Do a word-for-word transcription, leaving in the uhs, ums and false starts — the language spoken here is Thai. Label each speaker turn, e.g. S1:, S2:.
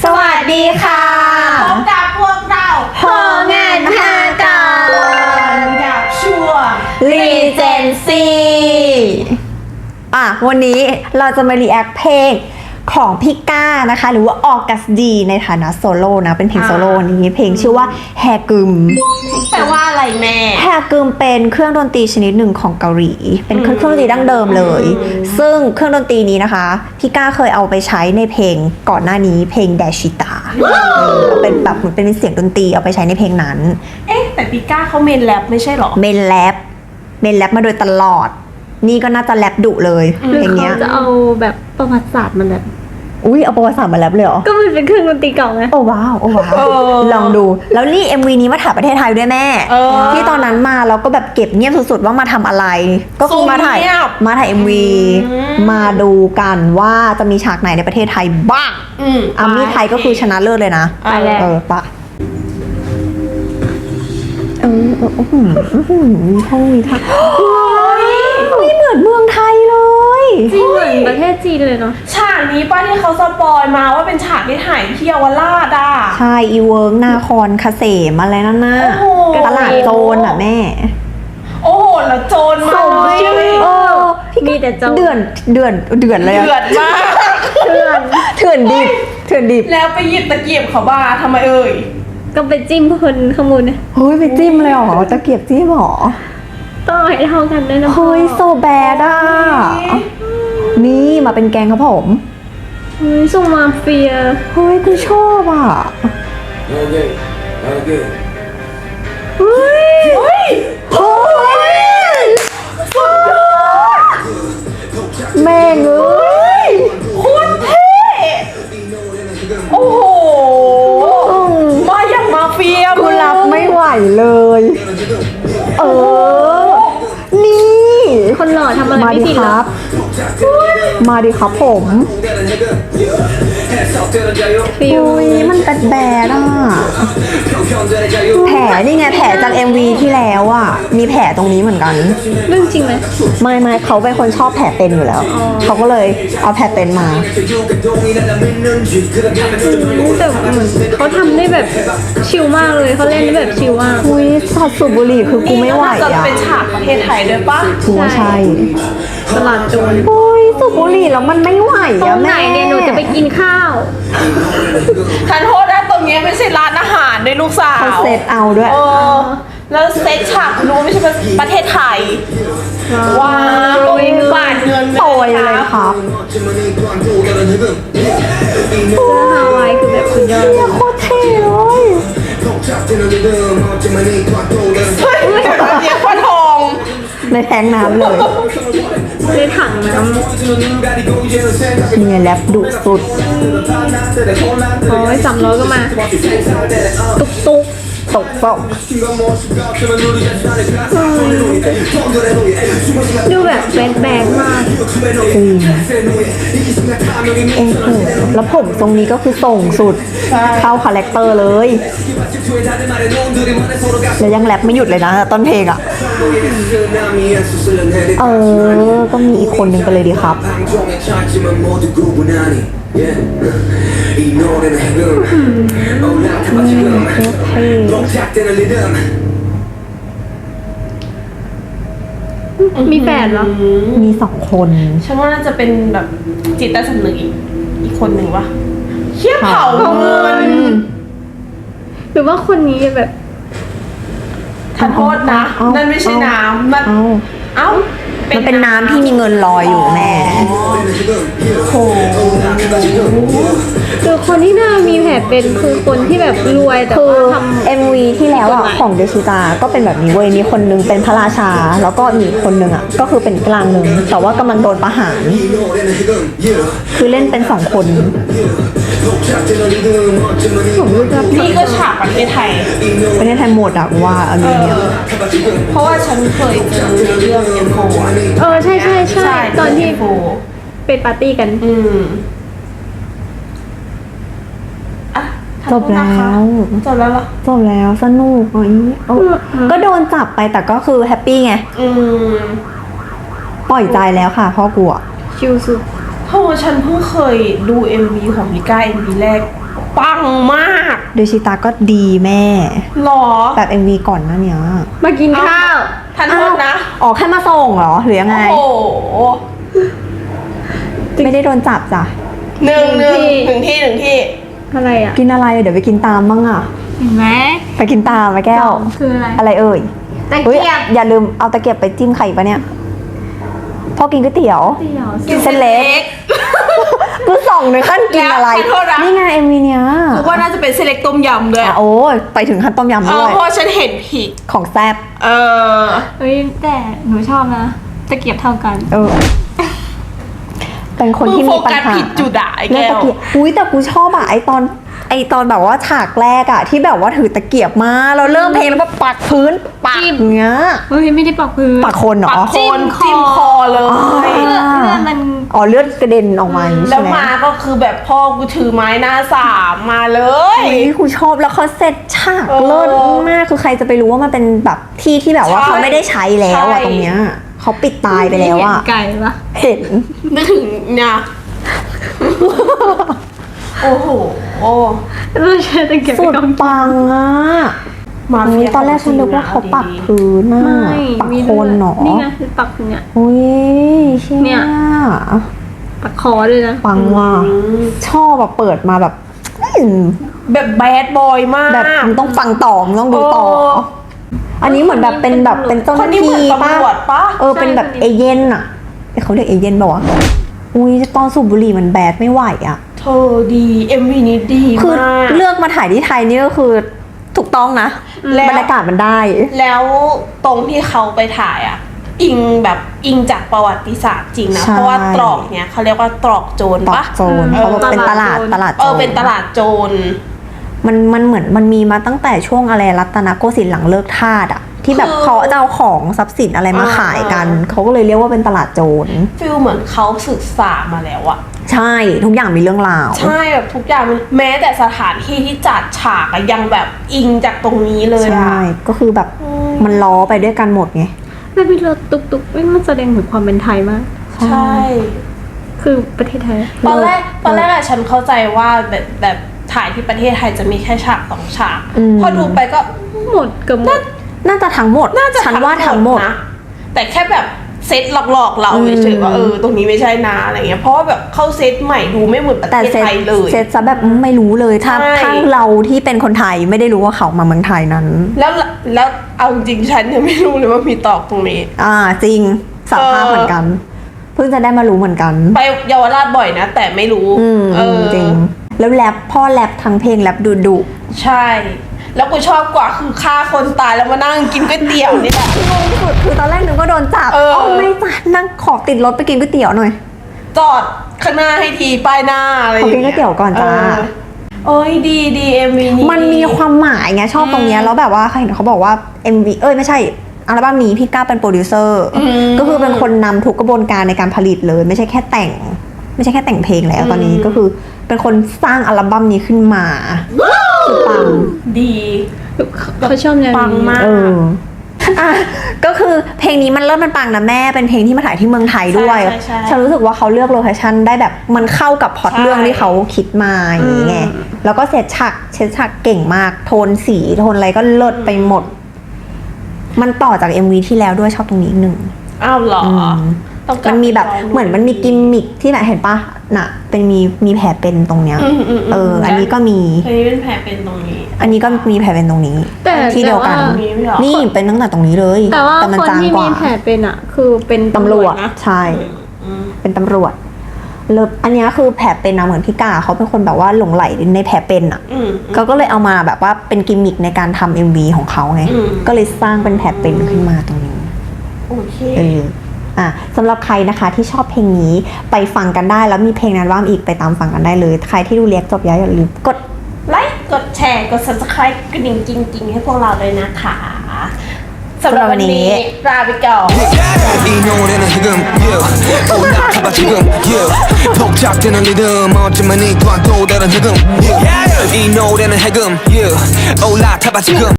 S1: สวัสดีค่ะพบกับพวกเรา
S2: โหงานพากร
S1: กับช่วง
S2: Regency อ่ะวันนี้เราจะมารีแอคเพลงของพี่ก้านะคะหรือว่าออกัสดีในฐานะโซโล่นะเป็นเพลงโซโล่นี้เพลงชื่อว่าแฮกึม
S1: แปลว่าอะไรแม่
S2: แฮกึมเป็นเครื่องดนตรีชนิดหนึ่งของเกาหลีเป็นเครื่องดนตรีดั้งเดิมเลยซึ่งเครื่องดนตรีนี้นะคะพี่ก้าเคยเอาไปใช้ในเพลงก่อนหน้านี้เพลงแดชิตาเป็นแบบเหมือนเป็นเสียงดนตรีเอาไปใช้ในเพลงนั้น
S1: เอ๊ะแต่พี่ก้าเขาเมนแรปไม่ใช่หรอ
S2: เมนแรปเมนแรปมาโดยตลอดนี่ก็น่าจะแรปดุเลยเพลงเนี้ย
S3: จะเอาแบบประวัติศาสตร์มันแบบ
S2: อุ้ยเอาประวัติศาสตร์มาแรปเลยเหรอ
S3: ก็มันเป็นเครื่องดนตรีเก่าไง
S2: โอ้ว้าวโอ้ว้าวลองดูแล้วนี่ เอ็ม วี นี้มาถ่ายประเทศไทยด้วยแม่ที่ตอนนั้นมาเราก็แบบเก็บเงียบสุดๆว่ามาทำอะไรก็คือมาถ่ายมาถ่าย เอ็ม วี มาดูกันว่าจะมีฉากไหนในประเทศไทยบ้างอามี่ไทยก็คือชนะเลิศเลยนะ
S3: ไปแล้ว
S2: เออปะเออเออมีท่องมีท่าไม่เหมือนเมืองไทยเลย
S3: จริงเหมือนประเทศจีนเลยเนาะ
S1: ฉากนี้ป้าที่เขาสปอยมาว่าเป็นฉากที่ถ่ายที่เยาวราชอ่ะ
S2: ใช่อีเวิร์กนาคอนคาเสมอะไรนั่นน่ะตลาดโจรอ่ะแม่
S1: โอ้โหแล้วโจรมา
S2: เออ
S3: มีแต่โจร
S2: เดือนเดือนเดือนเลย
S1: เดือดมาก
S3: เถื่อน
S2: เถื่อนดิบเถื่อนดิบ
S1: แล้วไปหยิบตะเกียบเขาบ้าทำไมเอ่ย
S3: ก็ไปจิ้มคนข้างบนเนี่ย
S2: เฮ้ยไปจิ้มเลยเหรอตะเกียบจิ้มหรอ
S3: ต้องให้เท่ากันด้วยนะ
S2: เฮ้ยโซแบดอ่ะนี่มาเป็นแกงครับผม
S3: เฮ้ยส่งมาเฟีย
S2: เฮ้ยกูชอบอ่ะ
S1: โอเคโอเค
S2: เฮ้ยเฮ้ยเฮ้ยสุดยอดแม่งเอ้ย
S1: โคตรเท่โอ้โหมาอย่างมาเฟีย
S2: กูรับไม่ไหวเลยเออนี่
S3: คนหล่อทำอะไรไม่ผิดหรอ
S2: มาดิครับผมอุ้ยมันแบดแบดอ่ะแผลนี่ไงแผลจาก เอ็ม วี ที่แล้วอ่ะมีแผลตรงนี้เหมือนกัน
S3: เรื่องจริงไหม
S2: ไม่ไม่เขาเป็นคนชอบแผลเป็นอยู่แล้วเขาก็เลยเอาแผลเป็นมา
S3: แต่เหมือนเขาทำได้แบบชิลมากเลยเขาเล่นได้แบบชิลมาก
S2: อุ้ยสัตว์สูบบุหรี่คือกูไม่ไหวอ่ะ
S1: จะเป็นฉากประเทศไทยด้วยปะ
S2: กูว่าใช่
S3: ตลาดโจร
S2: โอ้ยสูบบุหรี่แล้วมันไม่ไหวอ่ะแม่
S3: เนี่ยหนูจะไปกินข้าว
S1: ทันโทษนะตรงนี้ไม่ใช่ร้านอาหารด้วยลูกสาว
S2: เขาเซตเอาด้วย
S1: เออแล้วเซตฉากรู้ไม่ใช่ประเทศไทยว้าวโปรยบาทเงิน
S2: โปรยเลยครับ
S3: เสื้อฮาวายคือแบบสุดยอด
S2: โคตรเท่เลย
S1: เฮ้ยเดี๋ยวพ่อทอง
S2: ในแทงน้ำเลย
S3: ในถังน้ำ
S2: เนี่ยแรปดุสุด
S3: โอ้ยสามร้อยก็มาตุกตุก
S2: ตกตก
S3: ดูแบบแบดแบดมาก
S2: จริงเอ้โหแล้วผมตรงนี้ก็คือส่งสุดเข้าคาแรคเตอร์เลยแล้วยังแรปไม่หยุดเลยนะต้นเพลงอ่ะเออก็มีอีกคนนึงไปเลยดีครับ
S3: มีแฟนเหรอ
S2: มีสองคน
S1: ฉันว่าน่าจะเป็นแบบจิตใต้สำนึกอีกอีกคนหนึ่งวะเขี้ยเผาเงิน
S3: หรือว่าคนนี้แบบ
S1: ทันโทษนะนั่นไม่ใช่น้ำมันเอ้า
S2: มันเป็นน้ำที่มีเงินลอยอยู่แม่
S1: โอ้
S3: คือคนที่น่ามีแผลเป็นคือคนที่แบบรวยแต่ว่าทำ
S2: เอ็ม วี ที่แล้วอ่ะของเดชิตาก็เป็นแบบนี้เว้ยมีคนนึงเป็นพระราชาแล้วก็มีคนนึงอ่ะก็คือเป็นกลางนึงแต่ว่ากำลังโดนประหารคือเล่นเป็นสองคน
S1: นี่ก็ฉากประเทศไทย
S2: ประเทศไทยหมดอ่ะว่าอันนี้เนี่ย
S1: เพราะว่าฉันเคยเจอเรื่องเอ็มโฟ
S3: เออใช่ใช่ใช่ตอนที่เป็นปาร์ตี้กัน
S1: อืม
S2: จบแล้ว
S1: จบแล้วเหรอ
S2: จบแล้วสนุกอ๋อก็โดนจับไปแต่ก็คือแฮปปี้ไงปล่อยใจแล้วค่ะพ่อกลัว
S3: ชิลสุด
S1: เพราะว่าฉันเพิ่งเคยดู เอ็ม วี ของพี่ก้า เอ็ม วี แรกปังมาก
S2: โดยชิตาก็ดีแม่
S1: หรอ
S2: แบบ เอ็ม วี ก่อนหน้าเนี้ย
S3: มากินข้าว
S1: ทันโทษนะ
S2: อ๋อแค่มาส่งเหรอหรือยังไง
S1: โอ้โห
S2: ไม่ได้โดนจับจ้ะ
S1: หนึ่งหนึ่ง
S3: หนึ่งที่
S1: หนึ่งที่หนึ่งที่
S3: อะไรอ่ะ
S2: กินอะไรเดี๋ยวไปกินตามบ้างอ่ะ
S3: เห็นไหม
S2: ไปกินตามไหมแก้ว
S3: สองคืออะไร
S2: อะไรเอ่ย
S3: ตะ
S2: เฮ้ย
S3: เกียบ
S2: อย่าลืมเอาตะเกียบไปจิ้มไข่ปะเนี่ยพ่อกินก๋วยเตี๋ยว
S3: เตี๋ยว
S2: กินเส้นเล็ก กูส่องในขั้นกินอะไร
S1: แล้วขอโทษนะ
S2: นี่ไงเอ็มวีเนี้ย
S1: คือว่าน่าจะเป็นเซเล็กต้มยำเลย
S2: อ่ะโอ้ยไปถึงขั้นต้มยำ
S1: เอ
S2: ด้
S1: อ
S2: วย
S1: เพราะฉันเห็นผิด
S2: ของแซ่บ
S1: เออ
S3: เฮ้ยแต่หนูชอบนะตะเกียบเท่ากัน
S2: เออ เป็นคนที่มีปัญ
S1: มึงโฟกัส
S2: หา
S1: ผิดจุดอะไอ้
S2: เรื่
S1: แก้
S2: อง
S1: ว
S2: ตะเกียบอุ้ยแต่กูชอบอะไอตอน ไอตอนแบบว่าฉากแรกอะที่แบบว่าถือตะเกียบมาเราเริ่มเพลงแล้วก็ปักพื้นปัก
S3: จิ้ม
S2: อย่างเงี้ย
S3: เฮ้ยไม่ได้ปักพื้น
S2: ปักคนเหรอ
S1: ปักโคนจิ้มคอเลย
S3: เลือดเลือดมัน
S2: อ๋อเลือดกระเด็นออกมาอย่างงี้
S1: แล้
S2: ใช่
S1: ว
S2: ไหม
S1: มาก็คือแบบพ่อกูถือไม้หน้าสามมาเลย
S2: อุ้ยกูชอบแล้วเขาเสร็จฉาก
S1: เออ
S2: เลิศมากคือใครจะไปรู้ว่ามันเป็นแบบที่ที่แบบว่า
S1: ใช่
S2: เขาไม่ได้ใช้แล้วอะ
S1: ใช่
S2: ตรงเนี้ยเขาปิดตายไปแล้วอะ
S3: เห็นไก่ปะ
S2: เห็น
S1: นึกถึงเนี่ยโอ้โหโอ้
S3: เราใช้ตะเกียบ
S2: สุ
S3: ไป
S2: ด
S3: ก่อน
S2: ปังอะ
S1: มา
S2: อุ๊
S1: เฟี
S2: ย
S1: ย
S2: ตอนแรกฉันนึกว่าเขาปักพื้นน่ะ
S3: ไม่
S2: ปัก
S3: มี
S2: โค
S3: เลือน ด
S2: หนอ
S3: นี่ไงคือปักพื้นเนี่ย
S2: อุ้ยเชี่ย
S3: เนี่ย ปักคอด้วยนะ
S2: ปังว่ะชอบแบบเปิดมาแบบอืม
S1: แบบแบดบอยมาก
S2: แบบมึงต้องฟังต่อมึงต้องดูต่อ
S1: โอ้
S2: อันนี้เหมือนแบบเป็นแบบเป็นเจ้าห
S1: คน
S2: น้า
S1: นี้เหมือน
S2: ที่
S1: ตำรวจปะ
S2: เออเป็นแบบเอเย่นอะเอ้ยเขาเรียกเอเย่นป่าวะอุ้ยตอนสูบบุหรี่มันแบดไม่ไหวอะ
S1: เธอดี เอ็มวีนี้ดี
S2: คือ
S1: มาก
S2: เลือกมาถ่ายที่ไทยนี่ก็คือถูกต้องนะ
S1: แล้ว
S2: บรรยากาศมันได้
S1: แล้วตรงที่เขาไปถ่ายอ่ะ อิงแบบอิงจากประวัติศาสตร์จริงนะ
S2: ใช่
S1: เพราะว่าตรอกเนี้ยเขาเรียกว่าตรอกโจร
S2: ตอ
S1: ปะ
S2: กโจรเขาบอกเป็นตลาดตลาดโจร
S1: เออเป็นตลาดโจร
S2: มันมันเหมือนมันมีมาตั้งแต่ช่วงอะไรรัตนโกสินทร์หลังเลิกทาสอะที่แบบ
S1: คือ
S2: เขาจะเอาของทรัพย์สินอะไรมา
S1: อ่า
S2: ขายกัน เขาก็เลยเรียกว่าเป็นตลาดโจร
S1: ฟิลเหมือนเขาศึกษามาแล้วอะ
S2: ใช่ทุกอย่างมีเรื่องราว
S1: ใช่แบบทุกอย่างมันแม้แต่สถานที่ที่จัดฉากอะยังแบบอิงจากตรงนี้เลย
S2: ใช่
S1: อะ
S2: ก็คือแบบ
S1: อืม
S2: มันล้อไปด้วยกันหมดไง
S3: แล้วมีรถตุกตุกๆมันแสดงถึงความเป็นไทยมาก
S1: ใช่
S3: คือประเทศไทย
S1: ตอนแรกตอนแรกอะฉันเข้าใจว่าแบบแบบถ่ายที่ประเทศไทยจะมีแค่ฉากสองฉาก
S2: อืม
S1: พอดูไปก็
S3: หมดเกือบหมด
S2: น่าจะทั้งหมด
S1: น่าจะ
S2: ฉันว่าทั้งหมด
S1: นะแต่แค่แบบเซตหลอกๆเรา
S2: อืม
S1: เฉยๆว่าเออตรงนี้ไม่ใช่นะอะไรเงี้ยเพราะว่าแบบเข้าเซตใหม่ดูไม่เหมือนประ
S2: แต่
S1: เทศ
S2: เซต
S1: ไทยเลย
S2: เซตซะแบบไม่รู้เลยถ้า
S1: ใช่
S2: ถ้าเราที่เป็นคนไทยไม่ได้รู้ว่าเขามาเมืองไทยนั้น
S1: แล้วแล้วเอาจริงๆฉันยังไม่รู้เลยว่ามีตอกตรงนี้
S2: อ่าจริงสารภาพ
S1: เออ
S2: เหมือนกัน เพิ่งจะได้มารู้เหมือนกัน
S1: ไปเยาวราชบ่อยนะ แต่ไม่รู้
S2: อืม
S1: เออ
S2: จริง แล้วแรปพ่อแรปทั้งเพลงแรปดุดุ
S1: ใช่ แล้วกูชอบกว่าคือฆ่าคนตายแล้วมานั่งกินก๋วยเตี๋ยวนี่แหละ
S2: งงที่สุดคือตอนแรกนึกว่าโดนจับ
S1: เออ
S2: ไม่จ้ะนั่งขอติดรถไปกินก๋วยเตี๋ยวหน่อย
S1: จอดข้างหน้าให้ทีป้ายหน้าอะไรอย่าง
S2: ขอกินก๋วยเตี๋ยวก่อนจ้า
S1: เโอ้ยดีดีเอ็มวีนี้
S2: มันมีความหมายไงชอบตรงเนี้ยแล้วแบบว่าเห็นเขาบอกว่า เอ็ม วี เอ้ยไม่ใช่อัลบั้มนี้พี่ก้าวเป็นโปรดิวเซอร์ก็คือเป็นคนนำทุกกระบวนการในการผลิตเลย ไม่ใช่แค่แต่ง ไม่ใช่แค่แต่งเพลงแล้วตอนนี้ก็คือเป็นคนสร้างอัลบั้มนี้ขึ้นมาคือปัง
S1: ดี
S3: เขาชอบแนว
S1: ปัง
S3: นี้
S1: มาก
S2: เอออ่ะก็คือเพลงนี้มันเริ่มมันปังนะแม่เป็นเพลงที่มาถ่ายที่เมืองไทยด้วย
S1: ใช่ใช่ใช่
S2: ฉันรู้สึกว่าเขาเลือกโลเคชั่นได้แบบมันเข้ากับพล็อต
S1: ใช่
S2: เรื่องที่เขาคิดมาอย่างนี้ไงแล้วก็เซตฉากเซตฉากเก่งมาก โทนสีโทนอะไรก็เลิศไปหมด มันต่อจาก เอ็ม วี ที่แล้วด้วยชอบตรงนี้อีกหนึ่ง
S1: อ้าวเหรอ
S2: ม
S1: ต้องกลั
S2: มันมีแบบ
S1: ไปลง
S2: เหมือนมันมีกิมมิคที่ไหนเห็นปะน่ะ เป็นมีมีแผลเป็นตรงเนี้ย
S1: อืมอืมอืม
S2: เออ อันนี้ก็มี
S1: อันนี้เป็นแผลเป็นตรงนี้
S2: อันนี้ก็มีแผลเป็นตรงนี้
S3: แต่
S2: ที่เดียวกัน
S3: แต่
S1: ตรงนี้ไม่เหรอ
S2: นี่เป็นตั้งแต่ตรงนี้เลย
S3: แต่ว่า
S2: มัน
S3: คน
S2: จาง
S3: ที่
S2: ก
S3: มี
S2: ว่า
S3: แผลเป็นอ่ะ คือเป็น
S2: ตำรวจ
S3: นะ
S2: ใช่
S1: อืม
S2: เป็นตำรวจเลิฟอันเนี้ยคือแผลเป็นนะเหมือนพี่กาเขาเป็นคนแบบว่าหลงไหลในแผลเป็นอ่ะ
S1: อืม
S2: เขาก็เลยเอามาแบบว่าเป็นกิมมิคในการทำ เอ็ม วี ของเขาไง
S1: อืม
S2: ก็เลยสร้างเป็นแผลเป็นขึ้นมาตรงนี้
S1: โอเค
S2: เอออ่ะสำหรับใครนะคะที่ชอบเพลงนี้ไปฟังกันได้แล้วมีเพลงนั้นว่างอีกไปตามฟังกันได้เลย ใครที่ดูเรียกจบแล้วอย่าลืมกด
S1: ไลค์กดแชร์กด subscribe กระดิ่งจริง ๆ ให้พวกเราเลยนะคะสำหรับวันนี้ลาไปก่อน
S4: 이 노래는 지금 yeah. 올라타봐 지금 yeah. 복잡되는 리듬 어쩌면 이 또한 또 다른 지금 yeah. 이 노래는 해금 yeah. 올라타봐 지금